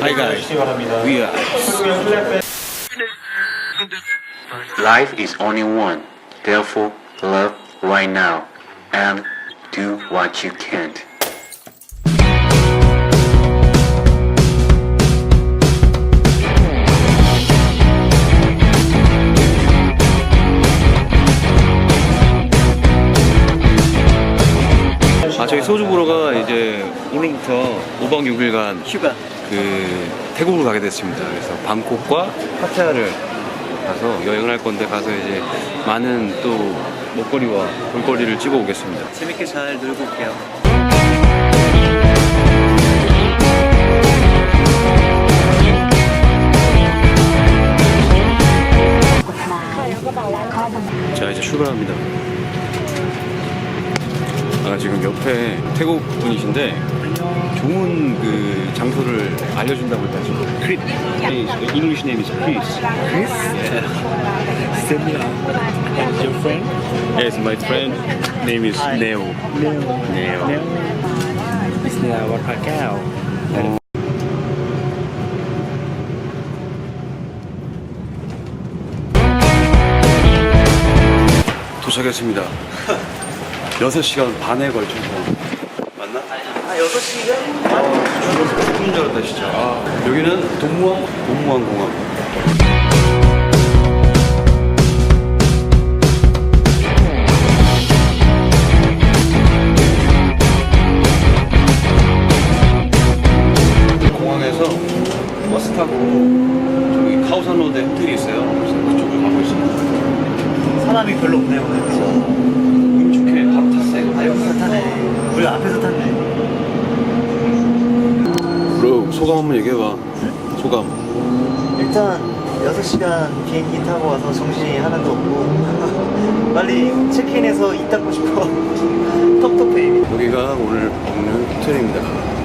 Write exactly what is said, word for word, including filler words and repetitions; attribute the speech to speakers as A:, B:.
A: Hi guys, we are.
B: Life is only one. Therefore, love right now and do what you can.
A: 아 저희 소주 보러가 이제 오늘부터 오 박 육 일간
C: 휴가.
A: 그 태국으로 가게 됐습니다. 그래서 방콕과 파타야를 가서 여행을 할 건데 가서 이제 많은 또 먹거리와 볼거리를 찍어 오겠습니다.
C: 재밌게 잘 놀고 올게요.
A: 자 이제 출발합니다. 아 지금 옆에 태국 분이신데 좋은 그 장소를 알려준다고 해가지고 크릿 English name is Chris.
C: Chris?
A: Yeah.
C: Semia. And your friend?
A: Yes, my friend name is
C: Hi.
A: Neo.
C: Neo.
A: Neo.
C: Neo. Bisnia Watakao.
A: 도착했습니다. 여섯 시간 반에 걸쳐서 맞나?
C: 아, 여섯 시간?
A: 죽어서 죽는 줄 알았다 진짜. 아, 여기는 동무항 동무항 공항. 공항에서 버스 타고 저기 카오산 로드에 호텔이 있어요. 그래서 그쪽으로 가고 있습니다.
C: 사람이 별로 없네요, 오늘. 그죠?
A: 운 좋게 바로 탔어요.
C: 아, 여기서 타네. 우리 앞에서 탔네.
A: 브로 소감 한번 얘기해봐. 소감.
C: 일단 여섯 시간 비행기 타고 와서 정신이 하나도 없고 빨리 체크인해서 이 닦고 싶어. 텁텁해.
A: 여기가 오늘 먹는 호텔입니다.